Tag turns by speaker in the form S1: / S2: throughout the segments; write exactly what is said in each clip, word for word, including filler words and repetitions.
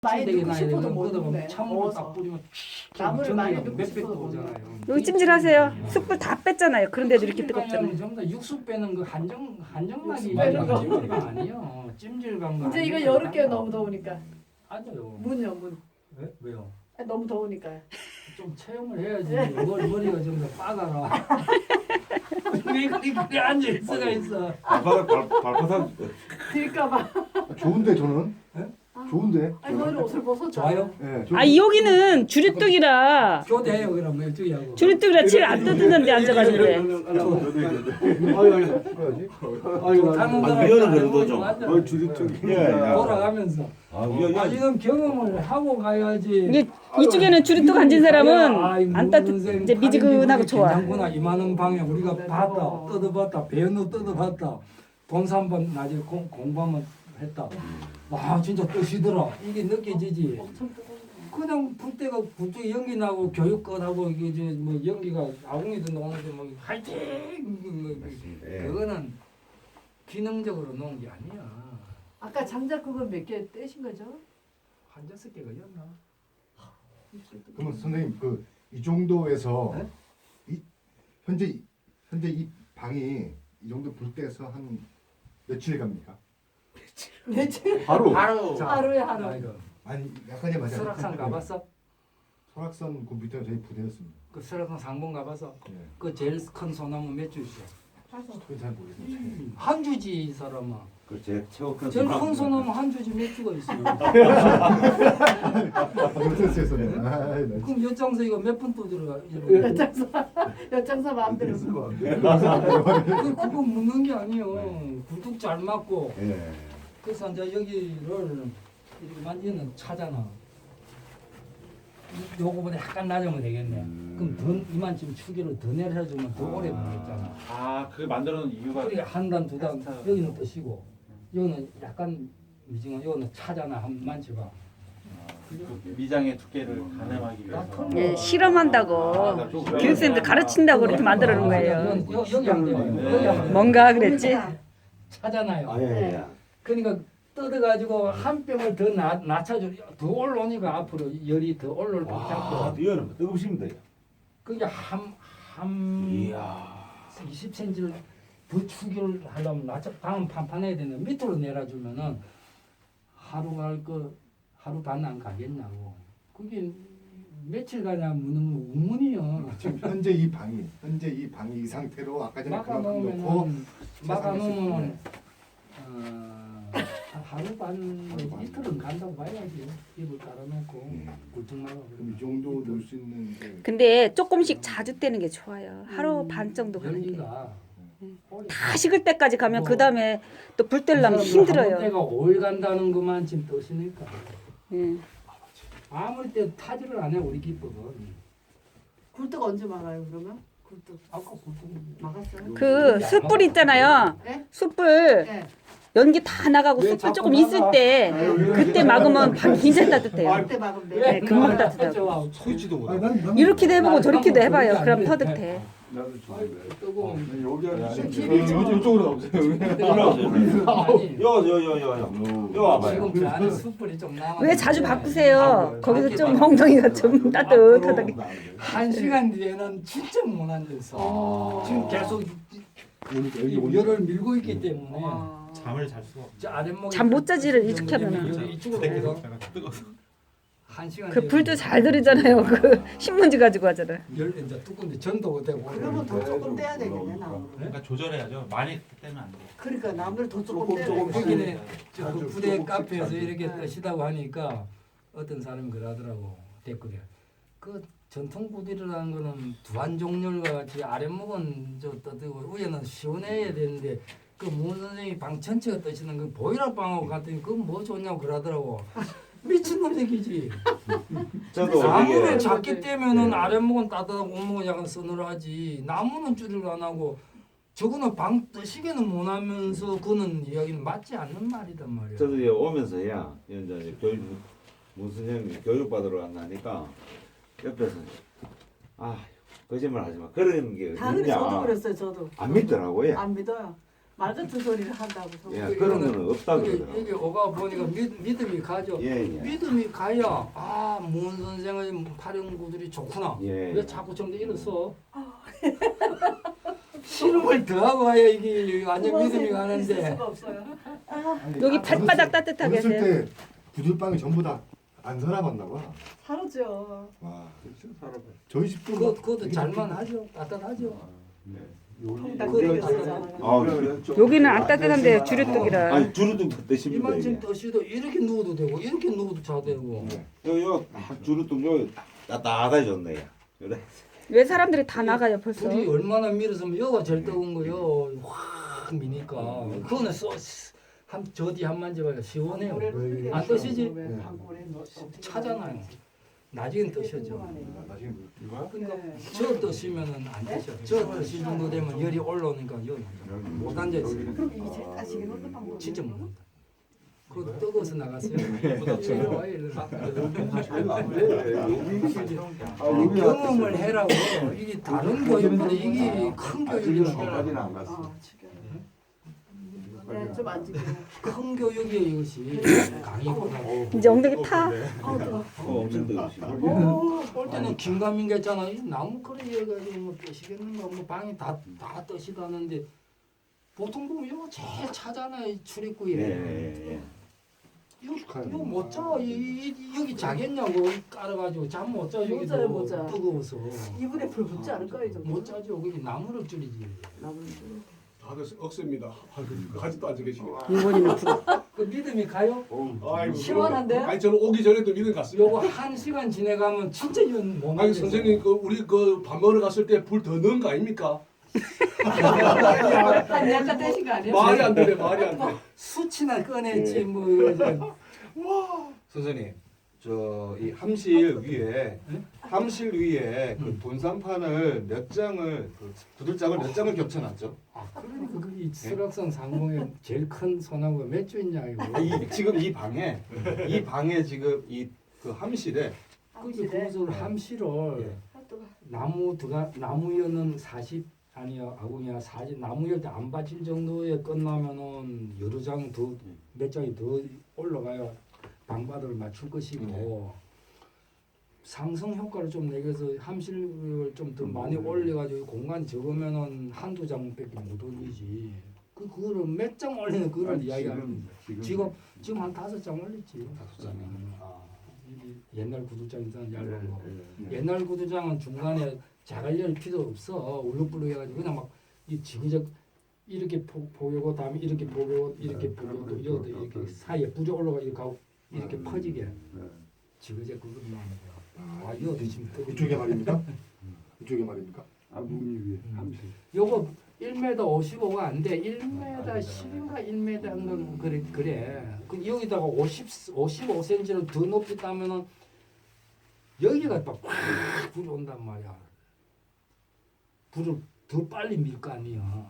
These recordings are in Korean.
S1: 많이
S2: 되게
S1: 넣고
S2: 나이
S1: 싶어도
S2: 되면
S1: 못
S2: 걷어보면
S1: 넣네.
S2: 참으로 딱
S1: 더워서.
S2: 뿌리면
S1: 나무를 많이 넣고
S2: 몇백
S1: 싶어도
S2: 도
S1: 못
S2: 오잖아요.
S3: 여기 찜질하세요. 숯불 다 뺐잖아요. 그런데도 이렇게 뜨겁잖아요.
S2: 전부 다 육수 빼는 그 한정 한정막이
S1: 육수 빼는 거.
S2: 찜질방 아니요. 찜질방 거
S1: 이제 이거
S2: 아니에요.
S1: 여름께 너무 더우니까
S2: 맞아요.
S1: 문요 문.
S2: 왜? 왜요?
S1: 아, 너무 더우니까.
S2: 좀 체험을 해야지. 머리 머리가 좀 더 빠가라. 왜 그렇게 그래 앉아 있어가 있어.
S4: 발바닥 발, 발바닥
S1: 들까봐.
S5: 좋은데 저는?
S2: 네?
S5: 좋은데?
S1: 아니 머리 옷을 벗었잖아.
S2: 좋아요?
S5: 예,
S3: 아 여기는 주류뚝이라
S2: 교대해요 그럼 이쪽이하고.
S3: 주류뚝이라 칠 안 뜯는데 앉아가지고 그래.
S2: 좋다는
S4: 아,
S2: 사람
S4: 위원은 그래도 좀.
S2: 맞아.
S4: 어, 주류쪽이. 예, 예.
S2: 돌아가면서.
S4: 아, 위원,
S2: 아
S4: 위원.
S2: 지금 경험을 하고 가야지.
S3: 이게 이쪽에는 주류뚝 앉은 사람은 안 따뜻 이제 미지근하고 좋아.
S2: 괜찮구나 이만한 방에 우리가 봤다 뜯어봤다 배너 뜯어봤다 돈 삼번 나중에 공, 공부 한번 했다. 와 진짜 뜻이더라. 이게 느껴지지.
S1: 엄청 뜨거워.
S2: 그냥 불 때가 불때 연기 나고 교육권하고 이게 이제 뭐 연기가 아궁이도 나오는데 뭐 화이팅 뭐
S4: 예.
S2: 그거는 기능적으로 놓은 게 아니야.
S1: 아까 장작 그거 몇 개 떼신 거죠?
S2: 한 다섯 개가 였나?
S5: 그러면 선생님 그 이 정도에서
S2: 네?
S5: 이, 현재 이- 현재 이 방이 이 정도 불 때에서 한 며칠 갑니까?
S1: 며칠?
S5: 하루.
S4: 바로.
S2: 자,
S1: 하루에 하루.
S2: 아, 이거
S5: 아니 약간의 맞아요.
S2: 설악산 가봤어?
S5: 설악산 그 밑에 저희 부대였습니다.
S2: 그 설악산 상봉 가봐서
S5: 예.
S2: 그 제일 큰 소나무 몇 주시오?
S5: 그건 잘 모르겠어요.
S2: 한 주지 이 사람아.
S4: 그제 최고 큰
S2: 제일
S4: 소나무.
S2: 큰 소나무 한 주지 몇 주가 있어요?
S5: 못했었네. 아, 나
S2: 그럼 엿장서 이거 몇 분 또 들어가?
S1: 엿장사 엿장사 마음대로.
S2: 그 그거 묻는 게 아니에요. 굴뚝 잘 맞고
S4: 예.
S2: 그래서 이제 여기를 이렇게 만지는 차잖아. 이- 요거보다 약간 낮으면 되겠네.
S4: 음.
S2: 그럼 더 이만큼 추기를 더 내려주면 더 오래 걸렸잖아.
S6: 아, 그 만들어 놓은 이유가
S2: 그러니까 한 단, 두 단, 여기는 뜨시고, 여기는 약간 미징어, 여기는 차잖아, 한 만져봐.
S6: 그 미장의 두께를 가늠하기 위해서.
S3: 예, 실험한다고 교육생들 가르친다고 이렇게 만들어 놓은 거예요.
S2: 여기, 여기, 여기 안 돼요. 여기 안 돼요.
S3: 뭔가 그랬지?
S2: 차잖아요.
S4: 아, 예, 예.
S2: 그러니까 뜯어가지고 한 뼘을 더 나, 낮춰줘. 더 올라오니까 앞으로 열이 더 올라올 것
S4: 와,
S2: 같고.
S4: 이거는 뜨겁습니다.
S2: 그게 한, 한
S4: 이야.
S2: 이십 센티미터를 더 추기를 하려면 낮춰, 방은 판판해야 되는데 밑으로 내려주면은 하루 갈 거, 하루 반 안 가겠냐고. 그게 며칠 가냐 묻는 거 의문이요.
S5: 지금 현재 이 방이 현재 이 방이 이 상태로 아까 전에
S2: 막아
S5: 그만큼 놓고
S2: 놓으면 막아
S5: 세상에
S2: 놓으면
S5: 있을
S2: 어, 한 하루 반
S5: 하루 반.
S2: 이틀은 간다고 봐야지. 이불 깔아놓고
S5: 음.
S2: 굴뚝 막아.
S5: 그럼 이 정도 놓을 수 있는 게
S3: 근데 조금씩 자주 떼는 게 좋아요. 하루
S1: 음.
S3: 반 정도 가는 게.
S2: 열기가 오래
S3: 다 식을 때까지 가면
S2: 뭐,
S3: 그 다음에 또 불 떼려면
S2: 한
S3: 힘들어요.
S2: 때가 오일 간다는 것만 지금 떠시니까.
S3: 예.
S2: 아무리 때 타지를 안 해 우리 기법은.
S1: 굴뚝 언제 막아요 그러면? 굴뚝
S2: 아까 굴뚝
S1: 막았어요?
S3: 그 숯불 있잖아요.
S1: 네?
S3: 숯불
S1: 네.
S3: 연기 다 나가고
S2: 왜
S3: 숯불
S2: 자꾸
S3: 조금
S2: 나가?
S3: 있을 때 그때 막으면 방 굉장히 따뜻해요.
S1: 그때 막으면 돼.
S3: 네, 금방 따뜻하고.
S6: 서 있지도
S5: 아니,
S6: 못하고.
S5: 난, 난,
S3: 이렇게도 해보고
S2: 난
S3: 저렇게도
S2: 한번
S3: 해봐요.
S2: 그렇게
S3: 그럼
S2: 안 돼.
S3: 터득해.
S4: 나도
S2: 뜨거운
S5: 여기
S1: 아,
S5: 이쪽으로 나오세요.
S2: 아니
S4: 요, 요, 요, 요, 요. 요 와봐요.
S2: 지금 저 안에 숯불이 좀 남아.
S3: 왜 자주 바꾸세요? 거기서 좀 엉덩이가 좀 따뜻하다게.
S2: 한 시간 뒤에는 진짜 못 앉았어.
S1: 어.
S2: 지금 계속
S5: 그러니까
S2: 이
S5: 여기
S2: 열을 밀고 있기 때문에
S1: 아.
S6: 잠을 잘 수가 없어.
S2: 저 아랫목이
S3: 잠못 자지를 이렇게 하면은.
S2: 열이 이쪽으로 오거든.
S6: 뜨거워서.
S2: 한 시간
S3: 그
S2: 뒤에
S3: 불도 잘 들이잖아요. 그 신문지 가지고 하잖아.
S2: 열 이제 뚜껑인데 전도 되고.
S1: 그러면 더 조금 떼야 되겠네 나무를.
S6: 그러니까 조절해야죠. 많이 떼면 안 돼.
S1: 그러니까 나무를 더 조금
S5: 조금,
S1: 떼야
S5: 조금,
S1: 되겠네.
S2: 거기는 저그
S5: 아주
S2: 부대
S5: 조금씩
S2: 카페에서
S5: 아주.
S2: 이렇게
S1: 네.
S2: 뜨시다고 하니까 어떤 사람이 그러더라고 댓글에 그 전통 부대라는 거는 두한 종렬과 같이 아랫목은 저 떠들고 위에는 시원해야 되는데 그 문 선생님이 방 전체가 뜨시는 그 보일러 방하고 같더니 그건 뭐 좋냐고 그러더라고. 미친놈 새끼지.
S4: 저도
S2: 나무를
S4: 이게
S2: 작게 떼면은
S4: 예.
S2: 아랫목은 따뜻하고 윗목은 약간 서늘하지. 나무는 줄을 안 하고 저거는 방 뜨시게는 못 하면서 그거는 이야기는 맞지 않는 말이단 말이야.
S4: 저도 이제 오면서야 이제 교육 무슨 형님 교육 받으러 간다니까 옆에서 아 거짓말 하지 마 그런 게
S1: 다른 저도
S4: 어딨냐
S1: 그랬어요 저도.
S4: 안 믿더라고요.
S1: 안 믿어요. 말 같은 소리를 한다고.
S4: 예,
S1: 성경이.
S4: 그런 거는 없다고
S2: 이게,
S4: 그러더라고요.
S2: 이게 오가 보니까 믿, 믿음이 가죠.
S4: 예, 예.
S2: 믿음이 가야 아문 선생의 활용구들이 좋구나.
S4: 예.
S2: 왜 자꾸 좀 더 이랬어? 실험을 더 하고 와야 이게 완전 믿음이
S1: 있을
S2: 가는데.
S1: 수가 없어요.
S3: 여기 발바닥 따뜻하게
S5: 어렸을
S3: 하세요.
S5: 때 부들빵이 전부 다 안 살아봤나 봐.
S1: 사라져.
S5: 와,
S4: 진짜 살아봐요.
S5: 저희 집도
S2: 그거
S5: 막
S2: 그것도
S5: 되게
S2: 잘만
S5: 좋겠다.
S2: 하죠. 따뜻하죠.
S1: 통닭
S2: 그거
S1: 끓여주잖아.
S4: 아,
S3: 여기는 안 따뜻한데 주류뚝이라.
S4: 아니 주루뚱 드십니다
S2: 이만큼
S4: 이게.
S2: 떠시도 이렇게 누워도 되고 이렇게 누워도 자도 되고.
S4: 요요 주루뚱 요 따뜻해졌네. 그래.
S3: 왜 사람들이 다 나가요 벌써?
S2: 불이 얼마나 밀었으면 여가 제일 뜨거운 거요. 확 미니까. 그거는 써. 한 저디 한 만져봐요. 시원해요. 안 떠시지? 차잖아요. 나중엔 떠셔죠.
S5: 나중에 뭐
S2: 그러니까
S1: 네.
S2: 저 떠시면은 안 되죠. 저 떠시 정도 되면 열이 올라오니까 여기 못 앉아 있어요.
S1: 그럼 이게 제일 따시게 먹는 방법.
S2: 진짜 못 먹는다. 그거 뜨거워서 나갔어요. 내려와요. 이러면. 경험을 해라고. 이게 다른 교육보다 이게 큰 교육이라고.
S1: 아, 지금. 네, 좀 앉을게요.
S2: 큰 교육이에요 이것이. 강의보다.
S3: 이제 엉덩이 타.
S1: 아, 뜨거.
S4: 어, 엄청 뜨거우시고.
S1: 오,
S2: 볼 때는 긴가민가 있잖아. 이 나무 그릇 해가지고 뭐 뜨시겠는가. 뭐 방이 다다 뜨시다는데 보통 보면 이거 제일 차잖아요. 이 출입구에.
S4: 예, 예, 예.
S2: 이거 이거 못 자. 이, 이, 여기 자겠냐고 깔아가지고 잠 못 자.
S1: 못
S2: 여기도
S1: 자요, 못 자.
S2: 뜨거워서.
S1: 이불에 불 붙지 않을까요, 이 정도?
S2: 못 자죠. 그게 나무를 줄이지.
S1: 나무를.
S7: 다들 억셉니다. 아직도 앉아 계시네.
S3: 일본인은 불.
S2: 그 믿음이 가요?
S7: 아이고,
S1: 시원한데요?
S7: 아니 저는 오기 전에도 믿음 갔습니다.
S2: 요거 한 시간 지내가면 진짜 이건 못
S7: 아니
S2: 만져요.
S7: 선생님 그 우리 그 밥 먹으러 갔을 때 불 더 넣은 거 아닙니까?
S1: 한 약간 떼신 거 아니에요?
S7: 말이 안 되네, 말이 안 돼.
S2: 수치나 꺼냈지 뭐 이거
S8: 선생님, 저 이 함실 위에
S2: 네?
S8: 함실 위에 그
S2: 음.
S8: 돈산판을 몇 장을 그 구들장을 몇 장을 겹쳐놨죠?
S2: 아 그러니까 그이 수락산 상공에 제일 큰 소나무가 몇 주 있냐 이거.
S8: 아, 이 지금 이 방에 이 방에 지금 이 그 함실에
S2: 그게 그것을 함실을
S8: 예.
S1: 아, 뜨거.
S2: 나무 들어가 나무여는 사십 아니야 아궁이야 사십 나무여 때안 받칠 정도에 끝나면은 여러 장 더 몇 장이 더 올라가야 방바닥을 맞출 것이고 상승 효과를 좀 내서 함실을 좀 더 많이 올려가지고 공간이 적으면은 한두 장밖에 못 올리지. 그 그거를 몇 장 올리는 그걸 이야기하는 거예요. 지금 지금 한 다섯 장 올렸지.
S8: 다섯 장이요?
S2: 음. 이게 옛날 구두장이잖아 얇은 거. 옛날 구두장은 중간에 자갈열 필요 없어. 울룩불룩 해가지고 그냥 막 이 지그적 이렇게 포, 보이고 다음에 이렇게 보이고 이렇게 보이고 이것도 이렇게 사이에 뿌리 올라가 이렇게 가고 이렇게 퍼지게 지그적 그것만 하는 거야. 아 이거 드시면
S5: 이쪽에 말입니까? 이쪽에 말입니까?
S2: 요거 일 미터 오십오가 안 돼. 일 미터 십인가 일 미터 한건 그래 그래. 그 여기다가 오십 오십오 센티미터를 더 높이 따면은 여기가 또 팍 불이 온단 말이야. 불을 더 빨리 밀 거 아니야.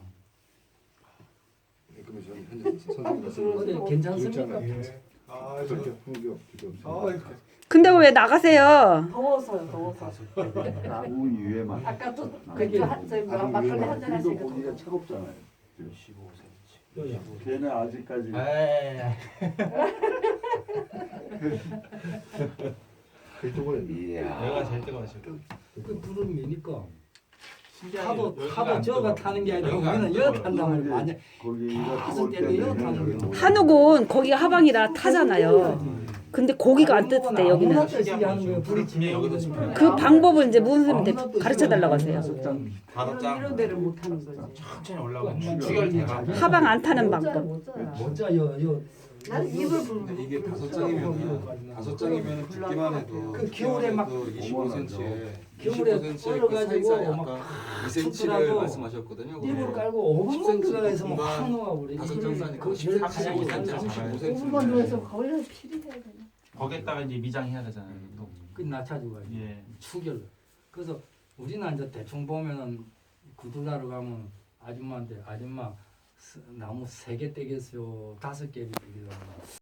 S5: 네, 그러면 저는 현재 선생님 말씀
S2: 근데 괜찮습니까?
S7: 예. 아, 저,
S5: 그렇게 풍경 필요
S7: 아,
S5: 없습니다.
S7: 이렇게.
S3: 근데 왜 나가세요?
S1: 더워서요, 더워서.
S4: 나무 위에만.
S1: 아까 또
S2: 그게
S1: 그 한- 저희 막- 막걸리 한잔 하시니까 더
S9: 차갑잖아요.
S6: 십오 센티미터.
S2: 요야.
S9: 걔는 아직까지
S6: 에이.
S5: 그쪽은
S4: 이야.
S6: 여기가 제일 뜨거워요.
S2: 그 불을 미니까
S6: 신기하게
S2: 하도
S6: 여기가
S2: 하도
S6: 안
S2: 저가
S6: 뜨거워.
S2: 타는 게 아니라
S6: 여기가 안
S2: 우리는 여
S6: 뜨거워요.
S2: 탄단 말이야. 만약
S9: 거기가
S2: 다섯
S9: 뜨거울
S2: 대는
S9: 때는
S2: 여 타는 거야.
S3: 한옥은 거기가 하방이라 타잖아요. 근데 고기가 안 뜨뜻해 여기는.
S2: 아무나 뜨시게 하는 거예요. 불이 지면
S6: 여기도
S2: 여기도
S6: 지면.
S3: 그 방법을 이제 무슨 선생님한테 가르쳐 달라고 하세요.
S6: 다섯
S1: 이런,
S6: 장.
S1: 이런 데를 못 하는 거지.
S6: 천천히 올라오고
S2: 그
S6: 추결 대박.
S3: 하방 안 타는
S1: 못 자요,
S3: 방법.
S1: 못 자요.
S2: 먼저요 요
S1: 나는 입을 부르고
S8: 근데 이게 다섯 장이면 다섯 장이면 듣기만 해도
S2: 그 겨울에 막
S8: 이십오 센티미터에
S2: 겨울에
S8: 이십오 센티미터에 그
S2: 얼어가지고
S8: 사이사이
S2: 막
S8: 아까 이 센티미터를
S2: 춥더라도
S8: 말씀하셨거든요.
S2: 이불 깔고 오 분만 들어가서 막
S8: 공간
S2: 확 녹아버려.
S8: 다섯 장 싸니까
S2: 그 제일
S6: 삼십오
S2: 가장
S6: 센티미터.
S2: 삼십오
S8: 삼십오
S1: 오 분만 누워서 거의 필이 해야 되나?
S6: 거기에다가 이제 미장해야 되잖아요. 또.
S2: 그 낮춰주고
S6: 예.
S2: 추결. 그래서 우리는 이제 대충 보면은 구들나루 가면 아줌마한테 아줌마 스- 나무 세 개 떼겠어요, 다섯 개 떼겠어요.